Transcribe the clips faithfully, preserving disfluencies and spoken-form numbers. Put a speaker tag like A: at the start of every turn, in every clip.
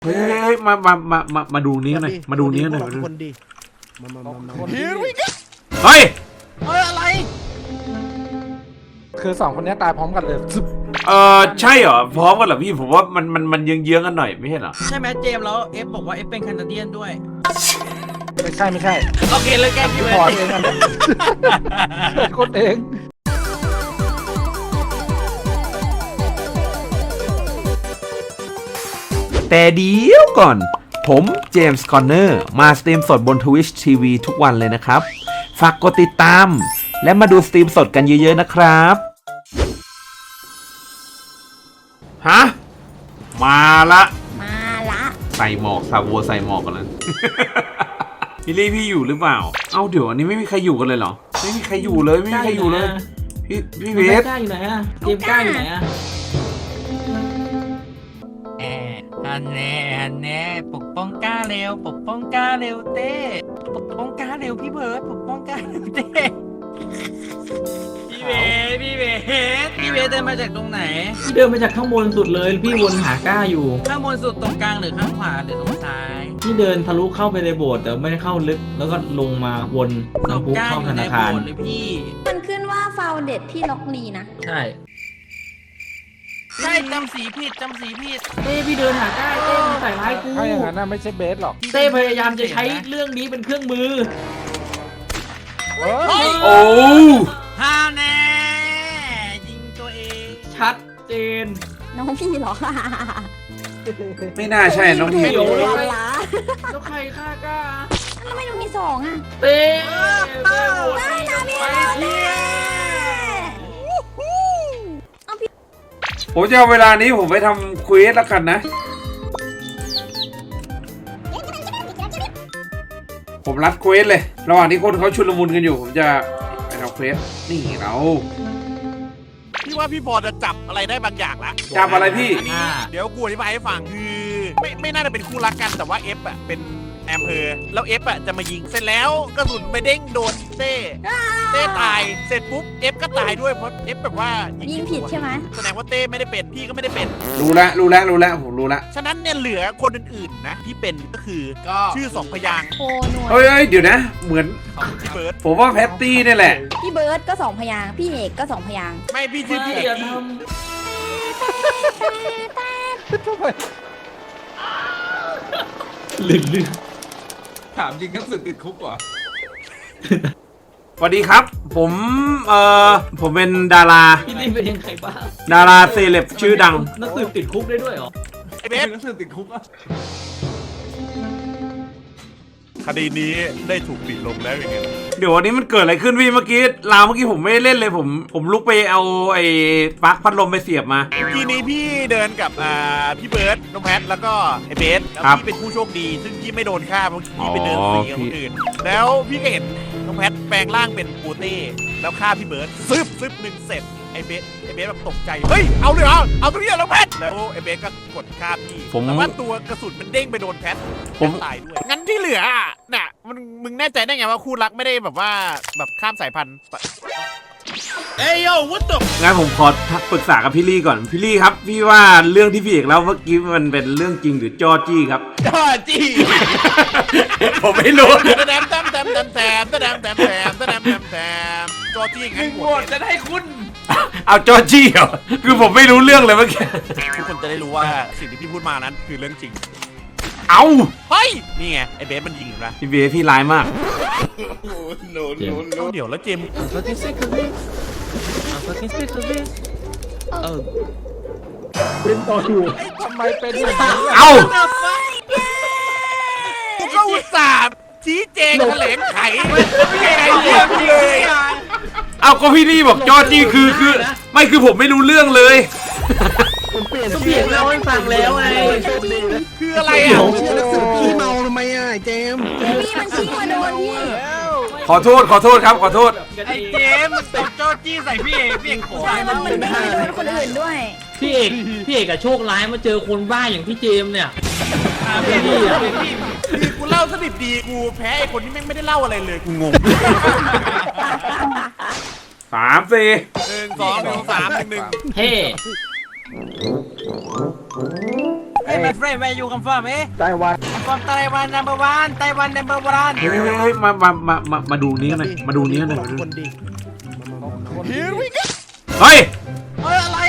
A: เฮ้ยมามามามามาดูนี้หน่อยมาดูนี้หน่อยมาดู
B: คนดีมามามามา
A: เฮ้ย
C: เฮ้ยอะไร
B: คือสองคนนี้ตายพร้อมกันเลย
A: เออใช่เหรอพร้อมกันเหรอพี่ผมว่ามันมันมันเยื้องเยื้องกันหน่อยไม่ใช่เหรอ
C: ใช่ไหมเจมส์แล้วเอฟบอกว่าเอฟเป็นแคนาเดียนด้วย
B: ไม่ใช่ไม่ใช่
C: โอเคเลยแกพี่เบิร์ด
B: พอเองนะคนเอง
A: แต่เดี๋ยวก่อนผมเจมส์คอนเนอร์มาสตรีมสดบน Twitch ที วี ทุกวันเลยนะครับฝากกดติดตามและมาดูสตรีมสดกันเยอะๆนะครับฮะมาละ
D: มาละ
A: ใส่หมอกซาวัวใส่หมอกกันแล้ว พี่ลี่พี่อยู่หรือเปล่าเอ้าเดี๋ยวอันนี้ไม่มีใครอยู่กันเลยเหรอไม่มีใครอยู่เลยไม่มีใครอยู่เลยพี่พี่เบส
C: กล้าอยู่ไหนอะเจมส์กล้าอยู่ไหนอะแอนฮันแน่ฮันแน่ปกป้องกล้าเร็วปกป้องกล้าเร็วเต้ปกป้องกล้าเร็วพี่เบิร์ดปกป้องกล้าเร็วเต้พี่เบสพี่เบสพี่เบสเดินมาจากตรงไหน
E: พี่เดินมาจากข้างบนสุดเลยพี่วนหาก้าอยู่
C: ข้างบนสุดตรงกลางหรือข้างขวาหรือตรงซ้าย
E: พี่เดินทะลุเข้าไปในโบสถ์แต่ไม่ได้เข้าลึกแล้วก็ลงมาวนน้ำพุเข้าธนาคาร
C: หรือพี่
D: มันขึ้นว่าฟาวเด็ดพี่ล็อกลีนะ
E: ใช่
C: ใช่จำสีผิดจำสีผิด
E: เต้พี่เดินหาก้าเต้มันใส่ร้ายกู
B: ถ้าอย่างนั้นน่ะไม่ใช่เบสหรอก
E: เต้พยายามจะใช้เรื่องนี้เป็นเครื่องมือ
B: เฮ้ย
A: โอ้
C: ฮาแน่ยิงตัวเอง
E: ชัดเจน
D: น้องพี่เหรอ
A: ไม่น่าใช่น้องที
E: เดี๋ยว
D: เว
E: เราไป
D: ลา
E: แล้วใครฆ่าก้า
D: ทำไมหนูมีสองอ่ะ
E: เต้เต้โหวต
D: ได้นะพี่
E: ไป
D: เน่เอาพี่
A: ผมจะเอาเวลานี้ผมไปทำคุยแล้วกันนะผมรัดเควสเลยระหว่างที่คนเขาชุลมุนกันอยู่ผมจะไปทำเควสนี่เรา
F: พี่ว่าพี่บอลจะจับอะไรได้บางอย่างละ
A: จับอะไรพี่
F: อันนี้เดี๋ยวกูอธิบายให้ฟังคือไม่ไม่น่าจะเป็นคู่รักกันแต่ว่าเอฟอ่ะเป็นแอมเภอแล้วเอฟอ่ะจะมายิงเสร็จแล้วกระสุนไปเด้งโดนเต้เต้ตายเสร็จปุ๊บเอฟก็ตายด้วยเพราะเอฟแบบว่า
D: ยิ
F: ยิ
D: งผิดใช่ไหม
F: แสดงว่าเต้ไม่ได้เป็นพี่ก็ไม่ได้เป็น
A: รู้แล้วรู้แล้วรู้แล้วผมรู้แล้ว
F: ฉะนั้นเนี่ยเหลือคนอื่นๆนะที่เป็นก็คือ
C: ก็
F: ชื่อสองพยางค์
D: โคหน่วย
A: เฮ้ยเฮ้ยเดี๋ยวนะ เหมือน
F: พี่เบิร์ด
A: ผมว่าแพตตี้นี่แหละ
D: พี่เบิร์ดก็สองพยางค์พี่เอกก็สองพยางค์
F: ไม่พี่ชื่อพี่เอก
E: อย่าท
B: ทำไม
E: ำลึกลึกถามจริงทั้งสึกติดคุกว่ะ
A: สวัสดีครับ ผมเอ่อผมเป็นดารา
E: พี่นี่เป็นยังไงบ้าง
A: ดาราเซเลบชื่อดัง
E: นักสืบติดคุกได้ด้วยเหรอ
F: ไอเบส
E: นักสืบติดคุกอ่ะ
F: คดีนี้ได้ถูกปิดลงแล้วยังไง
A: เดี๋ยววันนี้มันเกิดอะไรขึ้นพี่เมื่อกี้ลาวเมื่อกี้ผมไม่ได้เล่นเลยผมผมลุกไปเอาไอ้ปลั๊กพัดลมไปเสียบมา
F: ทีนี้พี่เดินกับอ่าพี่เบิร์ดน้องแพทแล้วก็ไอเบสแล้ว
A: ครับ
F: พี่เป็นผู้โชคดี ซึ่งพี่ไม่โดนฆ่าเพราะพี่ไปเดินสีกับคนอื่น แล้วพี่ก็เห็นน้องแพทแปลงร่างเป็นปูเต้แล้วฆ่าพี่เบิร์ดซึบซึบหนึ่งเสร็จไอเบสไอเบสแบบตกใจเฮ้ยเอาเลยเหรอเอาตรงนี้เหรอน้องแพทแล้วไอเบสก็กดฆ่าพี่
A: ผม
F: แต่ว่าตัวกระสุนมันเด้งไปโดนแพท
A: ผม
F: ตายด้วยงั้นที่เหลืออ่ะน่ะมันมึงแน่ใจได้ไงว่าคู่รักไม่ได้แบบว่าแบบข้ามสายพันธุ์เอ้ยโย่วุ้ตก
A: งั้นผมขอทักปรึกษากับพี่ลี่ก่อนพี่ลี่ครับพี่ว่าเรื่องที่พี่เอกเล่าเมื่อกี้มันเป็นเรื่องจริงหรือจอจี้ครับ
F: จ้าจี้
A: ผมไม่รู้
F: แต้มแต้มแต้มแต้มแต้มแต้มแต้มแต้มแต้มแต้มแต้มแต้มจอจี้งั้น
E: โหวตจะได้คุณ
A: เอาจอจี้เหรอคือผมไม่รู้เรื่องเลยเมื่อกี้
F: ทุกคนจะได้รู้ว่าสิ่งที่พี่พูดมานั้นคือเรื่องจริง
A: เอา
F: เฮ้ยนี่ไงไอเบสมันยิงอยู่นะ
A: พี่เบพี่ร้ายมาก
F: เดี๋ยวแล้วเจมส์
E: เออ
B: เป็นต่ออยู่ทำไมเป็นอย่างนี้
A: เอา
F: กูก็อุตส่าห์ชี้แจงแถลงไขไม่ใช่ไอเดียกูเลย
A: เอาก็พี่ลี่บอกจอจี้คือคือไม่คือผมไม่รู้เรื่องเลย
B: ผมเปลี่ยน
E: ก็เพียงเล่าให้ฟังแล้วไง
F: คืออะไรอ่ะ
B: เชื่อนักสืบพี่เมาทำไมอ่ะเจมส์
D: พี่มันชี้มาโดนพี่
A: ขอโทษขอโทษครับขอโทษ
C: ไอเจมส์ตบจอจี้ใส่พี่เอกพี่เอกขอ
D: ใช่ว่ามันไม่ได้โดนคนอื่นด้วย
E: พี่เอกพี่เอกอะโชคร้ายมาเจอคนบ้าอย่างพี่เจมส์เนี่ย
C: พี่พี่พี่
F: คือกูเล่าสนิทดีกูแพ้ไอคนที่แม่งไม่ได้เล่าอะไรเลยกูงง
A: สามสี่
F: หนึ่งสองหนึ่งสามหนึ่งหนึ่ง
E: เฮ้
F: ไอ
C: Hey my friend where you come from เอ๊ะ
B: ไต้หวัน
C: I'm from Taiwan number one Taiwan number one
A: เฮ้ยเฮ้ยเฮ้ยมามามามามาดูนี้หน่อยมาดูนี้หน่อย
B: คนดี
F: Here we go
A: เฮ้ย
C: เฮ้ยอะไร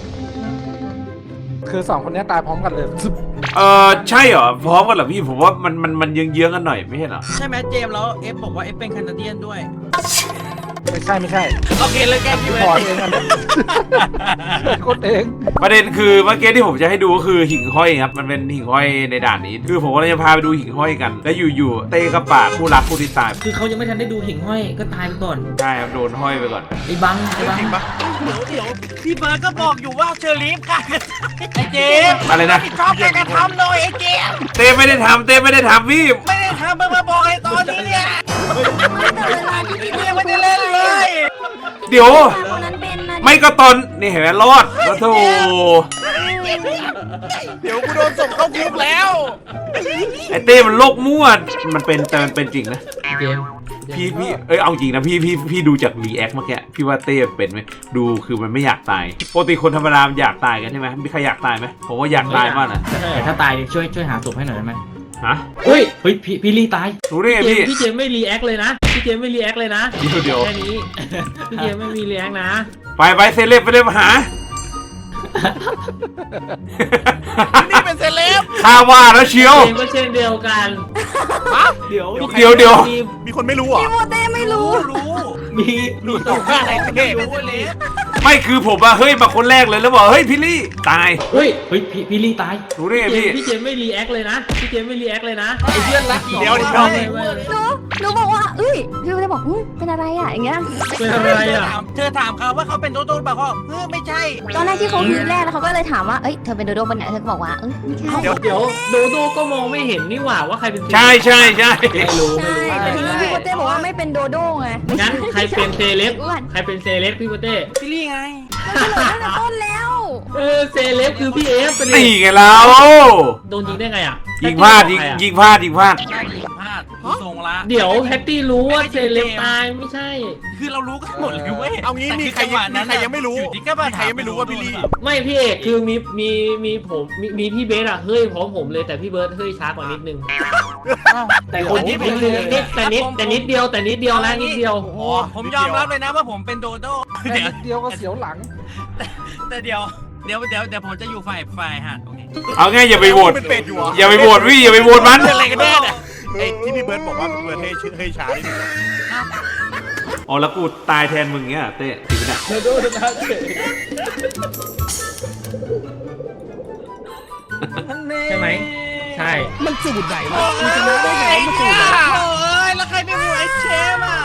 B: คือสองคนนี้ตายพร้อมกันเลย
A: เออใช่เหรอพร้อมกันเหรอพี่ผมว่ามันมันมันเยื้องๆกันหน่อยไม่ใช่เหรอ
C: ใช่ไหมเจมส์แล้วเอฟบอกว่าเอฟเป็นแคนาเดียนด้วย
B: ไม่ใช่ไม่ใช่
C: โอเคเลยแกพี่
B: พ
C: เบิ
B: อ
C: ร์
B: ร์
C: ด
B: ตเองอันนี้คนเอง
A: ประเด็นคือเมื่อกี้ที่ผมจะให้ดูก็คือหิ่งห้อยครับมันเป็นหิ่งห้อยในด่านนี้ คือผมก็เลยจะพาไปดูหิ่งห้อยกัน แล้วอยู่ๆเต้กับป่าคู่รักคู่ติดตาย
E: คือเขายังไม่ทันได้ดูหิ่งห้อยก็ตายไปก่อน
A: ใช่ครับโดนห้อยไปก่อน
E: ไอ้บังไอ้บัง
F: จริงปะ
C: เดี๋ยวเดี๋ยวพี่เบิร์ดก็บอกอยู่ว่าเชอรี่ค่ะไอเจมส์
A: อะไรนะ
C: ชอบการกระทำเลยไอเจมส์
A: เต้ไม่ได้ทำเต้ไม่ได้ทำพี่
C: ไม่ได้ทำมึงมาบอกไอ้ตอนนี้เนี่ย
D: แต่เวลาที่พี่
C: พี่ยังไม่ได้เล่นเลย
A: เดี๋ยว
D: คนนั้นเป็นนะ
A: ไม่ก็ตอนนี่เห็นไหมรอดแล้วโธ่
F: เดี๋ยวกูโดนส่งเข้าคุกแล้ว
A: ไอเต้มันโลกมั่วมันเป็นแต่มันเป็นจริงนะ
E: เกม
A: พี่พี่เอ้ยเอาจริงนะพี่พี่พี่ดูจากรีแอคเมื่อกี้พี่ว่าเต้เป็นไหมดูคือมันไม่อยากตายปกติคนธรรมดามันอยากตายกันใช่ไหมมีใครอยากตายไหมผมว่าอยากตายมากนะ
E: แต่ถ้าตายช่วยช่วยหาศพให้หน่อยได้ไหม
A: ฮะ
E: เฮ้ยเฮ้ยพี่พี่ลี่ตาย
A: รู้ได้ไง
G: พี่
A: พี่
G: เจมส์พี่เจมส์ไม่รีแอคเลยนะ พี่เจมส์ไม่รีแอคเลยนะ
A: เดี๋ยวเดี๋ยว
G: แค่นี้ พี่เจมส์ไม่มีรีแอคนะ
A: ไปไปเซเลบไปเลยมาหา
F: นี่เป็นเซเลบ
A: ข้าว่าแล้วเชียว
G: เจมส์ก็เช่นเดียวกัน
E: เดี๋ยว
A: เดี๋ยวเดี๋ยว
G: มี
F: มีคนไม่รู้เหรอ
D: พี่โมเต้ไม่รู้
C: รู้
E: มีมี
F: ตัวฆ่าอะไรเต้
C: รู้เลย
A: ไม่คือผมอะเฮ้ยมาคนแรกเลยแล้วบอกเฮ้ยพี่ลี่ตาย
E: เฮ้ยเฮ้ยพี่พี่ลี่ตาย
A: รู้ได้ไง
G: เจม
A: พี่
G: ส์พี่เจมส์ไม่รีแอคเลยนะ พี่เจมส์ไม่รีแอคเลยนะ
B: ไอ้เพื่อนรัก
F: เดี๋ยวเดี๋ยว
G: ไม่ไม่ไม่
D: หนูหนูบอกว่าเอ้ยพี่โมเต้บอกอุ้ยเป็นอะไรอ่ะอย่างเงี้ย
G: เป็นอะไรอ่ะ
C: เธอถามเขาว่าเขาเป็นโดโด้เปล่าเขาเออไม่ใช่
D: ตอนแรกที่เขาฮือแรกแล้วเขาก็เลยถามว่าเอ้ยเธอเป็นโดโด้ปะเนี่ยเธอก็บอกว่าเอ้ยไม่ใช่
F: เดี๋ยว
G: เดี๋ยวโดโดก็มองไม่เห็นนี่หว่าว่าใครเป็น
A: ใช่ใช่ใช่
E: ไม่รู้ไม่
D: ใช่
E: รู้
D: แต่ทีนี้พี่โมเต้บอกว่าไม่เป็นโดโด้ไง
G: งั้นใครเป็นเซเลบ
D: อ้วน
G: ใครเป็นเซเลบพี่โปเต้
C: พี่ลี่ไง
D: มันเฉลยตั้งแต่ต้นแล้ว
G: เออเซเลบคือพี่เอฟเป็น
A: ตีไงเรา
G: โดนยิงได้ไงอ่ะ
A: ยิงพลาดยิงยิงพลาดยิงพลาด
C: น่าจะพลาดทรงละ
G: เดี๋ยวแพตตี้รู้ว่าเซเลบตายไม่ใช่
C: คือเรารู้กันหมดเลยเว้ย
F: เอางี้มีใครมีใครยังไม่รู้
C: อยู่ที่ก็มา
F: มีใครยังไม่รู้ว่าพี่ลี่
G: ไม่พี่เอกคือมีมีมีผมมีมีพี่เบสอะเฮ้ยพร้อมผมเลยแต่พี่เบิร์ดเฮ้ยช้ากว่านิดนึง
E: แต่คนที่เป็น
G: นิดนิดแต่นิดแต่นิดเดียวแต่นิดเดียวนะนิดเดียว
C: โอ้ผมยอมรับเลยนะว่าผมเป็นโดโด้
B: แค่
C: เดี๋ยว
B: นิดเดียวก็เสียวหลัง
C: แต่เดี๋ยวเดี๋ยวเดี๋ยวเดี๋ยวผมจะอยู่ฝ่ายฝ่ายฮะโอเค
A: เอาไงอย่าไปโหวต
F: เป็นเป็ดอยู่เหรอ
A: อย่าไปโหวตพี่อย่าไปโหวตมัน
F: เป็นอะไรกันแน่เนี่ยไอ้ที่พี่เบิร์ดบอกว่าพี่เบิร์ดให้ชื่อให้ช้านี่
A: อ๋อแล้วกูตายแทนมึงเงี้ยเต้จริงปะเนี่ย
B: เธอดูนะเจ๊
G: ใช่ไหมใช่
B: มันสูตรไหนวะ
C: โอ้
B: มันจะรู้ได้ไง
C: ย
B: มันสูตรไหน
C: โอ้ยแล้วใครไปโหวตไอ้เชฟอ่ะ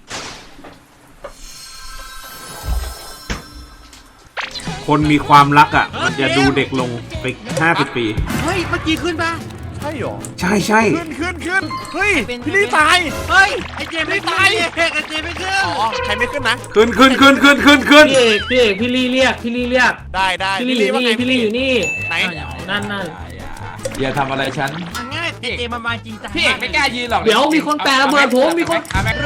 A: คนมีความรักอ่ะ มันจะดูเด็กลงไปห้าสิบปี
C: เฮ้ยเมื่อกี้ขึ้นปะ
F: ใช่หรอ
A: ใช่ใช่
F: ขึ้นขึ้นขึ้นเฮ้ยพี่ลี่ตาย
C: เฮ้ยไอ้เจมไม่ตายไอ้เจมไม่ขึ้น
F: อ๋อใครไม่ขึ้นนะ
A: ขึ้นขึ้นขึ้นขึ้นขึ้นขึ้น
G: พี่เอกพี่เอกพี่ลี่เรียกพี่ลี่เรียก
F: ได้ได้
G: พี่ลี่อยู่
F: ว่า
G: นี่
F: ไง
G: พี่ลี่อยู่นี่
F: ไหน
G: นั่นนั่น
H: อย่าทำอะไรฉัน
C: ง่ายไอ้เจมมันมาจริงจัง
H: พี่เอกไม่กล้ายืนหรอก
G: เดี๋ยวมีคนแปลระเบิดผมมีคน
H: เอาแม็ก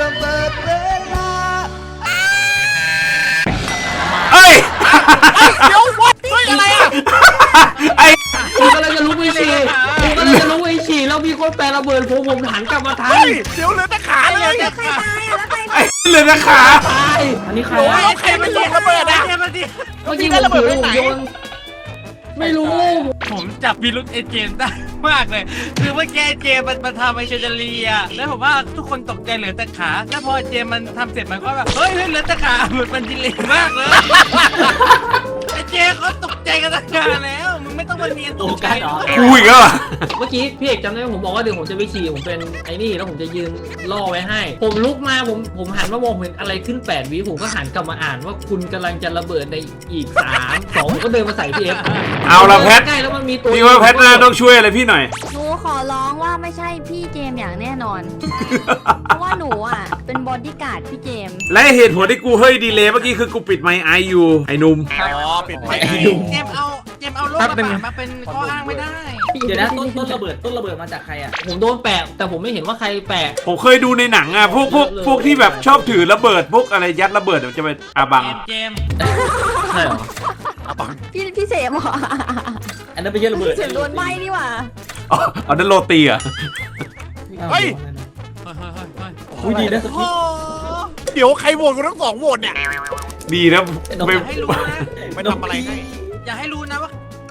A: เอ้ย
F: เดี๋ยววัดเฮ้ยอะไรอ่ะ
A: ไอ้
G: ผมกำลังจะลุกไปฉี่ผมกำลังจะลุกไปฉี่แล้วมีคนแปลระเบิดผมผมหันกลับมาทัน
F: เฮ้ยเดี๋ยวเหลือแต่ขาเลย
D: แล้วใครตายอ่ะแล้วใคร
A: ไอ้เลยนะขา
G: ตายอันนี้ใคร
F: โอ้ย
G: อะ
F: ใครมันโยนระเบิดอ่ะ
C: เจมมาดิ
G: เมื่อกี้ผมถือผมโยนไม่รู้
C: ผมจับพิรุษไอ้เจมได้มากเลย คือเมื่อกี้ไอ้เจมมันมาทำไอ้เชอร์ลีอ่ะแล้วผมว่าทุกคนตกใจเหลือแต่ขาแล้วพอเจมมันทำเสร็จมันก็แบบเฮ้ยเหลือแต่ขาเหมือนมันดิเลย์มากเลยไอ้เจมเขาตกใจกันตั้งนานแล้วมึงไม่ต้องมาเนียนตกใจหรอ
A: กูอีกแล้วเหรอ
G: เมื่อกี้พี่เอกจำได้ไหมผมบอกว่าเดี๋ยวผมจะไปฉี่ผมเป็นไอ้นี่แล้วผมจะยืนล่อไว้ให้ ผมลุกมาผมผมหันมามองเห็นอะไรขึ้นแปดวิผมก็หันกลับมาอ่านว่าคุณกำลังจะระเบิดในอีกสามสองก็เดินมาใส่พี่เอฟ
A: เอาละแพท
G: ใกล้แล้วมันมีตัว
A: พี่ว่าแพทน่าต้องช่วยอะไรพี่หน่อย
D: หนูขอร้องว่าไม่ใช่พี่เจมส์อย่างแน่นอน เพราะว่าหนูอ่ะเป็นบอดี้การ์ดพี่เจมส์
A: และเหตุผลที่กูเฮ้ยดีเลยเมื่อกี้คือกูปิดไมค์ไออยู่ไอ้หนุ่ม
F: อ๋อปิดไฟ
C: เจมเอาเจมเอาโลกกระบะมาเป็นข้ออ้างไม่ได้
E: เดี๋ยวนะต้นต้นระเบิดต้นระเบิดมาจากใครอ่ะ
G: ผมโดนแปะแต่ผมไม่เห็นว่าใครแปะ
A: ผมเคยดูในหนังอ่ะพวกพวกพวกที่แบบชอบถือระเบิดพวกอะไรยัดระเบิดมันจะเป็นอาบัง
C: เจมเจม
G: ใช่เหรอ
F: อะตอม
D: พี่พี่เสมเหรอ
E: อันนั้นไม่ใช่ระเบิด
D: เสียงโดนไหม้นี่หว่า
A: อ๋อเอานั่นโรตีเหรอ่ะ
F: เฮ้ย
E: อุ้ยดีนะ
F: โอ้เดี๋ยวใครโหวตกันทั้งสองโหวตเนี่ย
A: ดีนะ
C: อ
A: ไม่
C: ย่าให้รู้นะ
F: ไม่ทำอะไรให้
C: อย่าให้รู้นะว่า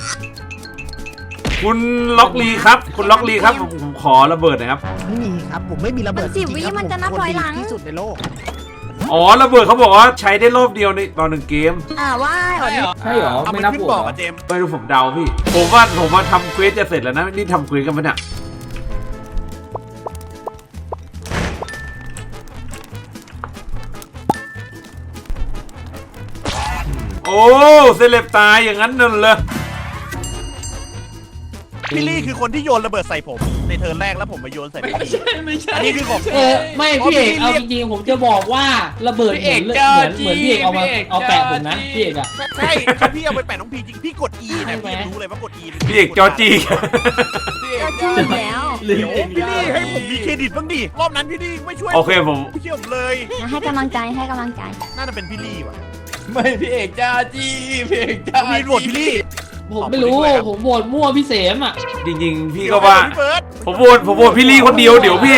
A: คุณล็อกลีครับ คุณล็อกลีครับผมผมขอระเบิดหนะครับ
B: ไม่มีครับ ผมไม่มีระเบิด
D: มันสิบ
B: จริงๆ
D: วิ
B: ครับ
D: มันจะนับ
B: ผ
D: ถอยหลัง
B: คนดีที่สุดในโลก
A: อ๋อระเบิดเขาบอกว่าใช้ได้รอบเดียวในตอนหนึ่งเกม
D: อ่าว่าอ่อน
C: ใช่เหรอ
E: ใช่เหรอ
F: เอา
E: ไม่
F: มัน
E: นับ
F: ขึ้น
E: โหว
F: บ
E: ต
F: อก
E: เหรอ
F: อะเจมส์
A: ไม่รู้ผมเดาพี่ ผมว่าผมว่าทำเควสจะเสร็จแล้วนะนี่ทำเควสกันปะเนี่ยโอ้เซเลบตายอย่างนั้นนั่นเลย
F: พี่ลี่คือคนที่โยนระเบิดใส่ผมในเทิร์นแรกแล้วผมมาโยนใส่พี่
C: ไม่
F: ลี่
C: ใช่ไม่ใช่
F: อันนี้คือผม
G: เออไม่พี่เอกเอาจริงๆผมจะบอกว่าระเบิดเหมือนเหมือนเหมือนพี่เอกเอามาเอาแปะผมนะพี่เอกอะ
F: ใช่ถ้าพี่เอาไปแปะน้องพีจริงพี่กด E นะพี่รู้เลยว่ากด E
A: พี่เอกจอจี
D: ก็ชื่อแล้ว
F: เดี๋ยวพี่ลี่ให้ผมมีเครดิตบ้างดิรอบนั้นพี่ลี่ไม่ช่วย
A: โอเคผม
F: ไม่เชื่อผมเลย
D: นะให้กำลังใจให้กำลังใจ
F: น่าจะเป็นพี่ลี่ว่ะ
H: ไม่พี่เอกจ้าจีพี่เอกจ้า
F: มีโหวตพี่ลี่
G: ผมไม่รู้ผมโหวตมั่วพี่เสมอ่ะ
A: จริงๆ พี่ก็ว่า
F: พี่เบิร์ด
A: ผมโหวตผมโหวตพี่ลี่คนเดียวเดี๋ยวพี่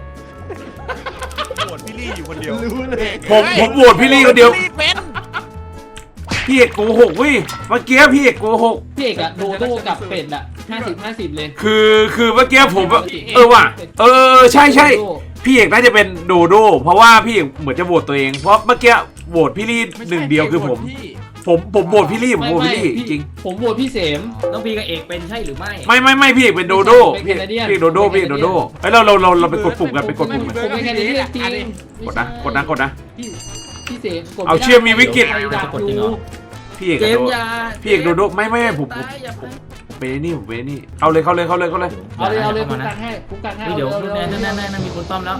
F: โหวตพี่ลี่อยู่คนเดียว
H: รู้เลย
A: ผมผมโหวตพี่ลี่คนเดียว
F: พี่ลี่เป็น
A: พี่เอกโกหกเว้ยเมื่อกี้พี่เอกโกหก
G: พี่เอกอะโดโด้กับเป็ดอะห้าสิบห้าสิบเลย
A: คือคือเมื่อกี้ผมแบบเออว่ะเออเออใช่ใช่พี่เอกน่าจะเป็นโดโดเพราะว่าพี่เอกเหมือนจะโหวตตัวเองเพราะเมื่อกี้โหวตพี่ลี่หนึ่งเดียวคือผม ผมผมโหวตพี่ลี่ผม
G: ไม่
A: โหวต
G: ไม่
A: พี่ลี่
G: พี่
A: จริง
G: ผมโหวตพี่เสม
E: น้องพีกับเอกเป็นใช่หรือไม่
A: ไม่ไม่ไม่พี่เอกเป็นโดโด
G: เป็น
A: พี่
G: แคนาเดียน
A: พี่เอกโดโดพี่เอกโดโดเฮ้ยเราเราเราเราไปกดปุ่มกันไปกดปุ่มกัน
G: ผมไม่แค่นี้จริง
A: กดนะกดนะกดนะ
G: พี่พี่เสมกด
A: เอาเชื่อมีวิกฤต
G: ใครดักอยู่
A: พี่เอก
E: เจ
A: กับ
E: ม
A: โด
E: ส์อยา
A: พี่เอกโดโดไม่ไม่ไม่ผมผม
E: ตายอย่าไป
A: ผมเป็นไอ้นี่ผมเป็นไอ้นี่เอาเลยเข้าเลยเข้าเลยเข้าเลย
G: เอาเลยเอาเลย
E: ข้
G: คุ้ม
E: ม
G: กันให้คุ้มกันให้
E: เฮ้ยเดี๋ยว
G: อา
E: แน่
G: อา
E: แน่แน่แน่มีคนต้อมแล้ว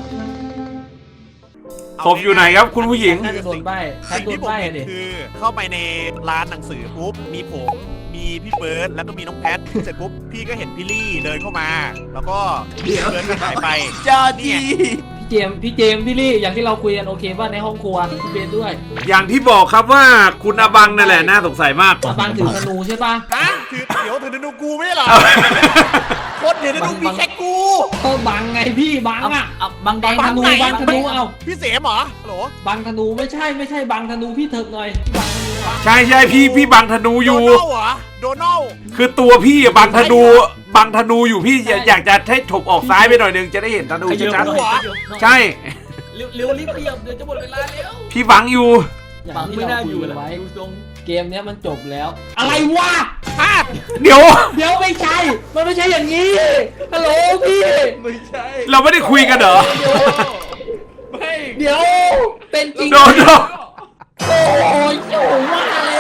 A: ศพอยู่ไหนครับคุณผู้หญิง
G: น่าจะโดนใบแคท
F: สิ่ง
G: โด
F: ที่
G: น
F: ผม
G: ใบ
F: เห็น
G: ดิ
F: คือเข้าไปในร้านหนังสือปุ๊บมีผมมีพี่เบิร์ดแล้วก็มีน้องแพทเสร็จปุ๊บพี่ก็เห็นพี่ลี่เดินเข้ามา แล้วก็พี่เบิร์ดก็หายไป
H: จ้าจี
G: พี่เจมส์พี่เจมส์พี่ลี่อย่างที่เราคุยกันโอเคป่ะในห้องครัวพี่เบนด้วย
A: อย่างที่บอกครับว่าคุณอบังนั่นแหละน่าสงสัยมาก
G: อาบังถือธนูใช่ป่ะ
F: ฮะถือเดี๋ยวถือธนูกูไม่ใช่เหรอคนถือธนูมีแค่กู
G: ก็บังไงพี่บัง
E: เอา
G: อ่ะ
E: เอาบางแด
G: บั
E: ง
G: งธนู
F: ไหน
G: บังธนูเอา
F: พี่เสมเหรอฮัลโหล
G: บังธนูไม่ใช่ไม่ใช่บังธนูพี่เถิกหน่อยบังธนูอะ
A: ใช่ใช่พี่พี่บังธนูอ
F: โด
A: ยู่
F: นัลเหรอโดนัล
A: คือตัวพี่อะบังธนูบังธนูอยู่พี่อยากอยากจะให้ถบออกซ้ายไปหน่อยนึงจะได้เห็นธนู
E: ขยับ
A: ชัด
E: หน่อย
A: ๆใช่
E: เร็วเร็วรีบขยับเดี๋ยวจะหมดเวลาแล้ว
A: พี่บังอยู่
G: อย่าง
E: บัง
G: ที่
E: ไม่
G: เรา
E: น่า
G: คุ
E: อยู่
G: ย
E: แล้ว
G: ไว้
E: ดูทรง
G: เกมเนี้ยมันจบแล้ว อะไรวะ
F: พลาด
A: เดี๋ยว
G: เดี๋ยวไม่ใช่ มันไม่ใช่อย่างนี้ฮัลโหลพี่
H: ไม่ใช่
A: เราไม่ได้คุยกันเหรอ
H: ไม่
G: เดี๋ยวเป็นจริง
A: โดนโดน
G: โอ้ยโอ้ว่าแล้ว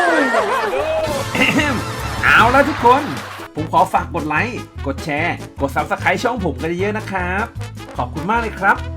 A: เอาแล้วทุกคน ผมขอฝากกดไลค์ กดแชร์ กด ซับสไครบ์ ช่องผมกันเยอะๆนะครับ ขอบคุณมากเลยครับ